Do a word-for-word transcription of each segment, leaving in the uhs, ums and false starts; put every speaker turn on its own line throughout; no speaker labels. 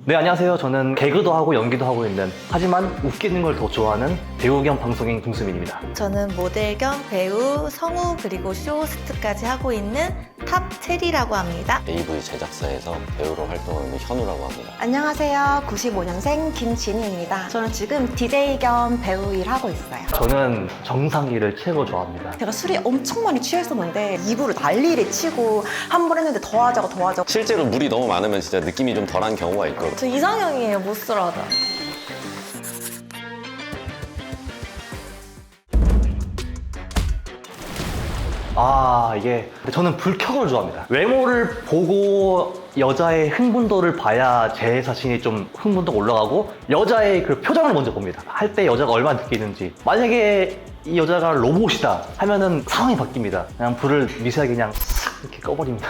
네, 안녕하세요. 저는 개그도 하고 연기도 하고 있는, 하지만 웃기는 걸 더 좋아하는 배우 겸 방송인 김수민입니다.
저는 모델 겸 배우, 성우, 그리고 쇼호스트까지 하고 있는 탑 체리라고 합니다.
에이브이 제작사에서 배우로 활동하는 현우라고 합니다.
안녕하세요. 구십오 년생 김진희입니다. 저는 지금 디제이 겸 배우 일하고 있어요.
저는 정상기를 최고 좋아합니다.
제가 술이 엄청 많이 취했었는데 입으로 난리를 치고 한 번 했는데 더 하자고 더 하자고.
실제로 물이 너무 많으면 진짜 느낌이 좀 덜한 경우가 있거든요.
저 이상형이에요, 못살아다.
아, 이게 저는 불쾌을 좋아합니다. 외모를 보고 여자의 흥분도를 봐야 제 자신이 좀 흥분도가 올라가고, 여자의 그 표정을 먼저 봅니다. 할 때 여자가 얼마나 느끼는지. 만약에 이 여자가 로봇이다 하면은 상황이 바뀝니다. 그냥 불을 미세하게 그냥 싹 이렇게 꺼버립니다.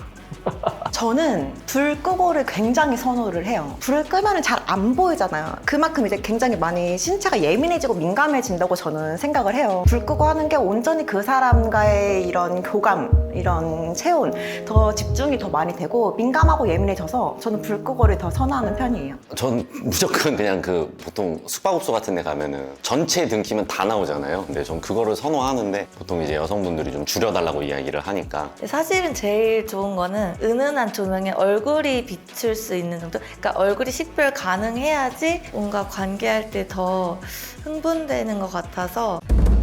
저는 불 끄고를 굉장히 선호를 해요. 불을 끄면 잘 안 보이잖아요. 그만큼 이제 굉장히 많이 신체가 예민해지고 민감해진다고 저는 생각을 해요. 불 끄고 하는 게 온전히 그 사람과의 이런 교감, 이런 체온, 더 집중이 더 많이 되고 민감하고 예민해져서 저는 불 끄고를 더 선호하는 편이에요.
전 무조건 그냥 그 보통 숙박업소 같은 데 가면은 전체 등 키면 다 나오잖아요. 근데 전 그거를 선호하는데 보통 이제 여성분들이 좀 줄여달라고 이야기를 하니까.
사실은 제일 좋은 거는 은은한 조명에 얼굴이 비출 수 있는 정도? 그러니까 얼굴이 식별 가능해야지 뭔가 관계할 때 더 흥분되는 것 같아서.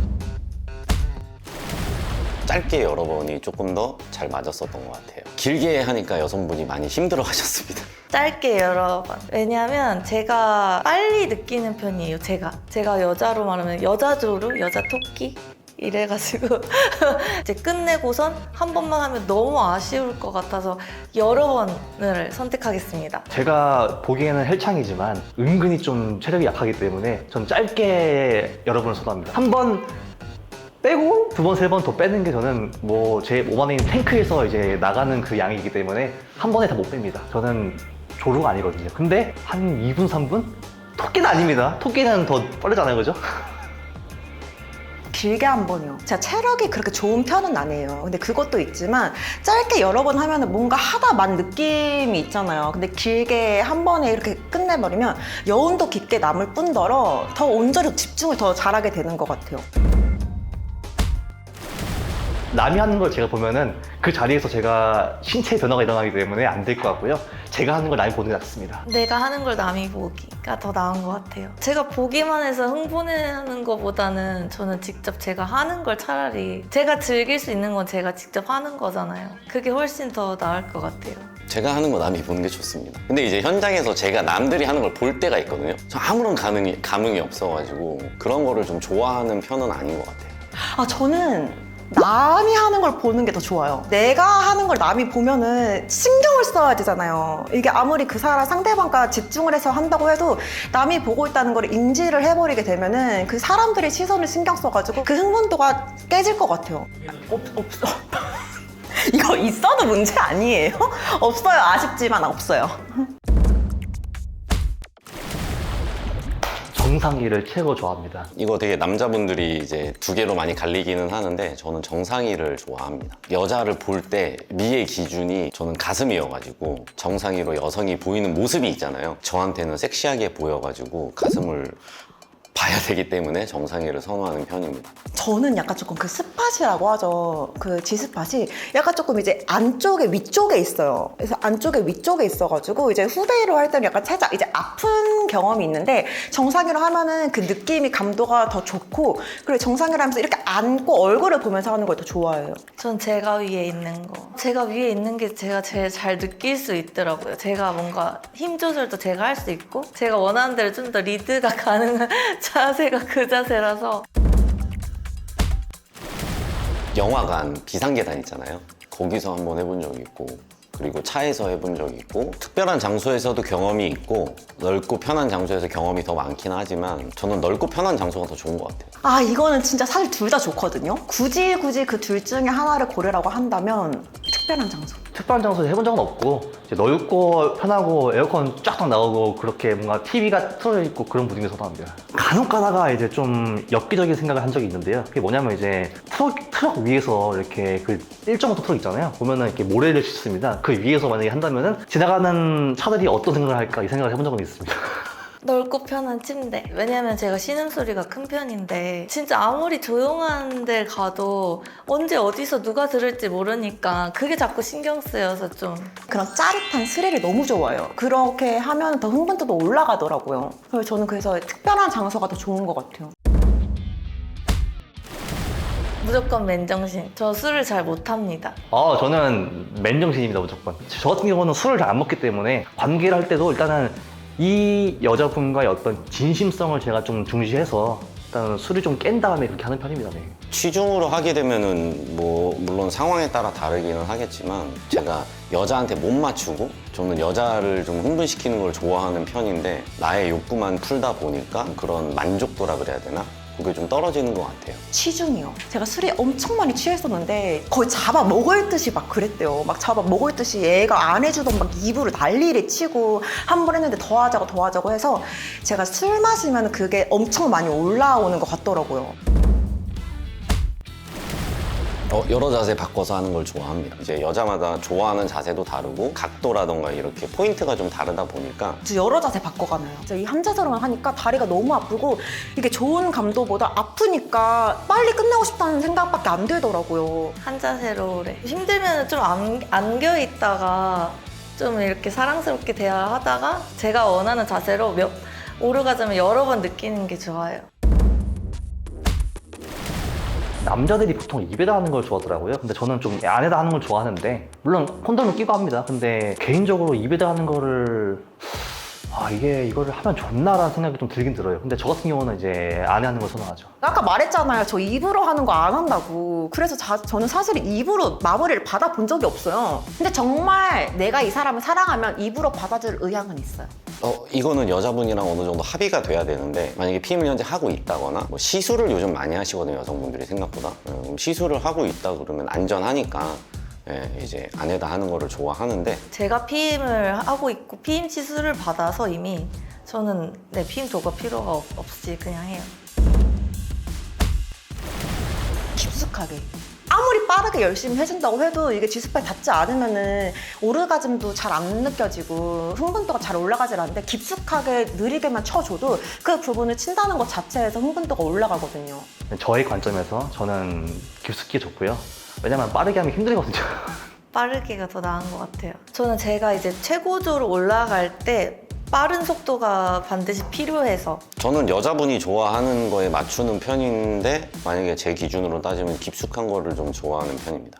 짧게 여러 번이 조금 더 잘 맞았었던 것 같아요. 길게 하니까 여성분이 많이 힘들어 하셨습니다.
짧게 여러 번. 왜냐면 제가 빨리 느끼는 편이에요, 제가. 제가 여자로 말하면 여자 조루, 여자 토끼? 이래가지고 이제 끝내고선 한 번만 하면 너무 아쉬울 것 같아서 여러 번을 선택하겠습니다.
제가 보기에는 헬창이지만 은근히 좀 체력이 약하기 때문에 전 짧게 여러 번을 선호합니다. 한 번 빼고 두 번, 세 번 더 빼는 게 저는 뭐 제 몸 안에 있는 탱크에서 이제 나가는 그 양이기 때문에 한 번에 다 못 뺍니다. 저는 조루가 아니거든요. 근데 한 이 분, 삼 분? 토끼는 아닙니다. 토끼는 더 빠르잖아요, 그죠?
길게 한 번이요. 제가 체력이 그렇게 좋은 편은 아니에요. 근데 그것도 있지만 짧게 여러 번 하면 뭔가 하다 만 느낌이 있잖아요. 근데 길게 한 번에 이렇게 끝내버리면 여운도 깊게 남을 뿐더러 더 온전히 집중을 더 잘하게 되는 것 같아요.
남이 하는 걸 제가 보면은 그 자리에서 제가 신체 변화가 일어나기 때문에 안 될 것 같고요. 제가 하는 걸 남이 보는 게 낫습니다.
내가 하는 걸 남이 보기가 더 나은 것 같아요. 제가 보기만 해서 흥분하는 것보다는 저는 직접 제가 하는 걸 차라리, 제가 즐길 수 있는 건 제가 직접 하는 거잖아요. 그게 훨씬 더 나을 것 같아요.
제가 하는 거 남이 보는 게 좋습니다. 근데 이제 현장에서 제가 남들이 하는 걸 볼 때가 있거든요. 저 아무런 감흥이, 감흥이 없어가지고 그런 거를 좀 좋아하는 편은 아닌 것 같아요.
아, 저는 남이 하는 걸 보는 게 더 좋아요. 내가 하는 걸 남이 보면은 신경을 써야 되잖아요. 이게 아무리 그 사람 상대방과 집중을 해서 한다고 해도 남이 보고 있다는 걸 인지를 해버리게 되면은 그 사람들의 시선을 신경 써가지고 그 흥분도가 깨질 것 같아요. 없, 없어. 이거 있어도 문제 아니에요? 없어요. 아쉽지만 없어요.
정상기를 최고 좋아합니다.
이거 되게 남자분들이 이제 두 개로 많이 갈리기는 하는데 저는 정상이를 좋아합니다. 여자를 볼 때 미의 기준이 저는 가슴이어가지고 정상이로 여성이 보이는 모습이 있잖아요. 저한테는 섹시하게 보여가지고 가슴을 봐야 되기 때문에 정상이를 선호하는 편입니다.
저는 약간 조금 그 스팟이라고 하죠. 그 G스팟이 약간 조금 이제 안쪽에 위쪽에 있어요. 그래서 안쪽에 위쪽에 있어가지고 이제 후배로 할 때는 약간 살짝 이제 아픈 경험이 있는데 정상이로 하면은 그 느낌이 감도가 더 좋고, 그리고 정상이로 하면서 이렇게 안고 얼굴을 보면서 하는 걸 더 좋아해요.
전 제가 위에 있는 거. 제가 위에 있는 게 제가 제일 잘 느낄 수 있더라고요. 제가 뭔가 힘 조절도 제가 할 수 있고, 제가 원하는 대로 좀 더 리드가 가능한 자세가 그 자세라서.
영화관 비상계단 있잖아요. 거기서 한번 해본 적이 있고, 그리고 차에서 해본 적이 있고, 특별한 장소에서도 경험이 있고, 넓고 편한 장소에서 경험이 더 많긴 하지만 저는 넓고 편한 장소가 더 좋은 것 같아요.
아, 이거는 진짜 사실 둘 다 좋거든요. 굳이 굳이 그 둘 중에 하나를 고르라고 한다면 특별한 장소.
특별한 장소에서 해본 적은 없고, 이제 넓고 편하고 에어컨 쫙 나오고 그렇게 뭔가 티비가 틀어져 있고 그런 분위기 선호합니다. 간혹 가다가 이제 좀 엽기적인 생각을 한 적이 있는데요. 그게 뭐냐면 이제 트럭, 트럭 위에서 이렇게 그 일 점 오 톤 트럭 있잖아요. 보면은 이렇게 모래를 싣습니다. 그 위에서 만약에 한다면은 지나가는 차들이 어떤 생각을 할까 이 생각을 해본 적은 있습니다.
넓고 편한 침대. 왜냐면 제가 신음소리가 큰 편인데 진짜 아무리 조용한 데 가도 언제 어디서 누가 들을지 모르니까 그게 자꾸 신경 쓰여서 좀
그런 짜릿한 스릴을 너무 좋아해요. 그렇게 하면 더 흥분도도 올라가더라고요. 그래서 저는 그래서 특별한 장소가 더 좋은 것 같아요.
무조건 맨정신. 저 술을 잘 못합니다.
아, 저는 맨정신입니다, 무조건. 저 같은 경우는 술을 잘 안 먹기 때문에 관계를 할 때도 일단은 이 여자분과의 어떤 진심성을 제가 좀 중시해서 일단 술을 좀 깬 다음에 그렇게 하는 편입니다. 네.
취중으로 하게 되면은 뭐 물론 상황에 따라 다르기는 하겠지만 제가 여자한테 못 맞추고 저는 여자를 좀 흥분시키는 걸 좋아하는 편인데 나의 욕구만 풀다 보니까 그런 만족도라 그래야 되나? 그게 좀 떨어지는 것 같아요.
취중이요. 제가 술이 엄청 많이 취했었는데 거의 잡아 먹을 듯이 막 그랬대요. 막 잡아 먹을 듯이 얘가 안 해주던 막 입으로 난리를 치고 한 번 했는데 더 하자고 더 하자고 해서 제가 술 마시면 그게 엄청 많이 올라오는 것 같더라고요.
어, 여러 자세 바꿔서 하는 걸 좋아합니다. 이제 여자마다 좋아하는 자세도 다르고 각도라던가 이렇게 포인트가 좀 다르다 보니까
저 여러 자세 바꿔가나요. 이 한 자세로만 하니까 다리가 너무 아프고 이게 좋은 감도보다 아프니까 빨리 끝내고 싶다는 생각밖에 안 들더라고요.
한 자세로 오래. 힘들면 좀 안, 안겨 있다가 좀 이렇게 사랑스럽게 대화하다가 제가 원하는 자세로 몇, 오르가즘을 여러 번 느끼는 게 좋아요.
남자들이 보통 입에다 하는 걸 좋아하더라고요. 근데 저는 좀 안에다 하는 걸 좋아하는데 물론 콘돔을 끼고 합니다. 근데 개인적으로 입에다 하는 거를 아 이게 이거를 하면 좋나라는 생각이 좀 들긴 들어요. 근데 저 같은 경우는 이제 안에 하는 걸 선호하죠.
아까 말했잖아요. 저 입으로 하는 거 안 한다고. 그래서 자, 저는 사실 입으로 마무리를 받아본 적이 없어요. 근데 정말 내가 이 사람을 사랑하면 입으로 받아줄 의향은 있어요.
어, 이거는 여자분이랑 어느 정도 합의가 돼야 되는데 만약에 피임을 현재 하고 있다거나 뭐 시술을 요즘 많이 하시거든요. 여성분들이 생각보다. 어, 그럼 시술을 하고 있다 그러면 안전하니까 예, 이제 안에다 하는 거를 좋아하는데
제가 피임을 하고 있고 피임 시술을 받아서 이미 저는 네, 피임 도가 필요가 없, 없이 그냥 해요.
깊숙하게. 아무리 빠르게 열심히 해준다고 해도 이게 G스팟에 닿지 않으면은 오르가즘도 잘 안 느껴지고 흥분도가 잘 올라가질 않는데 깊숙하게 느리게만 쳐줘도 그 부분을 친다는 것 자체에서 흥분도가 올라가거든요.
저의 관점에서 저는 깊숙이 좋고요. 왜냐면 빠르게 하면 힘들거든요.
빠르게가 더 나은 것 같아요. 저는 제가 이제 최고조로 올라갈 때 빠른 속도가 반드시 필요해서
저는 여자분이 좋아하는 거에 맞추는 편인데 만약에 제 기준으로 따지면 깊숙한 거를 좀 좋아하는 편입니다.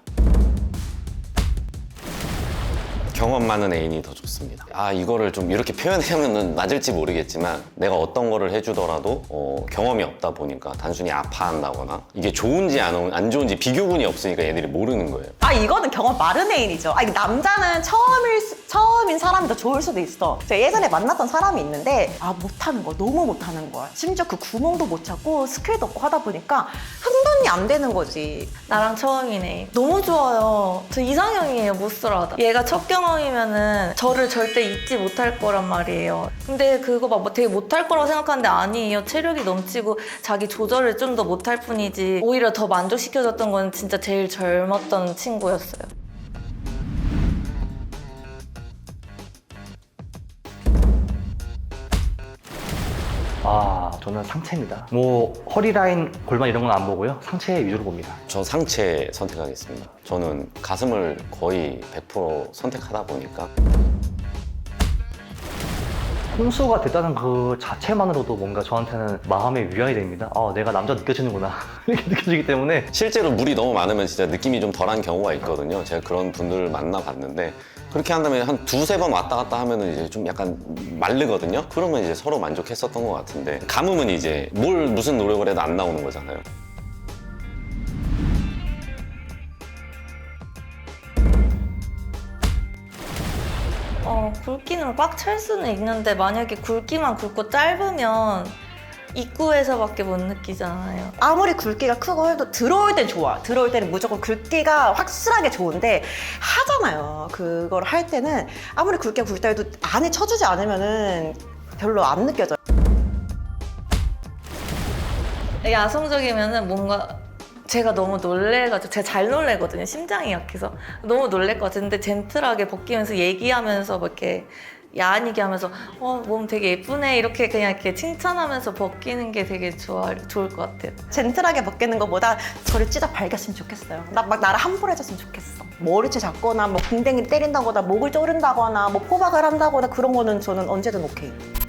경험 많은 애인이 더 좋습니다. 아 이거를 좀 이렇게 표현하면 맞을지 모르겠지만 내가 어떤 거를 해주더라도 어, 경험이 없다 보니까 단순히 아파한다거나 이게 좋은지 안, 안 좋은지 비교군이 없으니까 얘들이 모르는 거예요.
아 이거는 경험 많은 애인이죠. 아 남자는 처음일 수- 처음인 사람이 더 좋을 수도 있어. 제가 예전에 만났던 사람이 있는데 아 못하는 거야. 너무 못하는 거야. 심지어 그 구멍도 못 찾고 스킬도 없고 하다 보니까 흥분이 안 되는 거지.
나랑 처음이네. 너무 좋아요. 저 이상형이에요, 못살아다. 얘가 첫 경험이면은 저를 절대 잊지 못할 거란 말이에요. 근데 그거 막 뭐 되게 못할 거라고 생각하는데 아니에요. 체력이 넘치고 자기 조절을 좀 더 못할 뿐이지 오히려 더 만족시켜줬던 건 진짜 제일 젊었던 친구였어요.
아 저는 상체입니다. 뭐 허리 라인, 골반 이런 건 안 보고요. 상체 위주로 봅니다.
저 상체 선택하겠습니다. 저는 가슴을 거의 백 퍼센트 선택하다 보니까
홍수가 됐다는 그 자체만으로도 뭔가 저한테는 마음의 위안이 됩니다. 아 내가 남자 느껴지는구나 이렇게 느껴지기 때문에
실제로 물이 너무 많으면 진짜 느낌이 좀 덜한 경우가 있거든요. 제가 그런 분들을 만나봤는데 그렇게 한 다음에 한 두세 번 왔다 갔다 하면은 이제 좀 약간 마르거든요. 그러면 이제 서로 만족했었던 것 같은데 감음은 이제 뭘 무슨 노력을 해도 안 나오는 거잖아요.
어, 굵기는 꽉 찰 수는 있는데 만약에 굵기만 굵고 짧으면 입구에서밖에 못 느끼잖아요.
아무리 굵기가 크고 해도 들어올 땐 좋아. 들어올 때는 무조건 굵기가 확실하게 좋은데 하잖아요. 그걸 할 때는 아무리 굵기가 굵다 해도 안에 쳐주지 않으면은 별로 안 느껴져요.
야성적이면은 뭔가 제가 너무 놀래가지고 제가 잘 놀래거든요. 심장이 약해서 너무 놀랄 것 같은데 젠틀하게 벗기면서 얘기하면서 뭐 이렇게 야한 얘기하면서 어, 몸 되게 예쁘네 이렇게 그냥 이렇게 칭찬하면서 벗기는 게 되게 좋아 좋을 것 같아요.
젠틀하게 벗기는 것보다 저를 찢어 발겼으면 좋겠어요. 나 막 나를 함부로 해줬으면 좋겠어. 머리채 잡거나 뭐 궁뎅이 때린다거나 목을 조른다거나 뭐 포박을 한다거나 그런 거는 저는 언제든 오케이.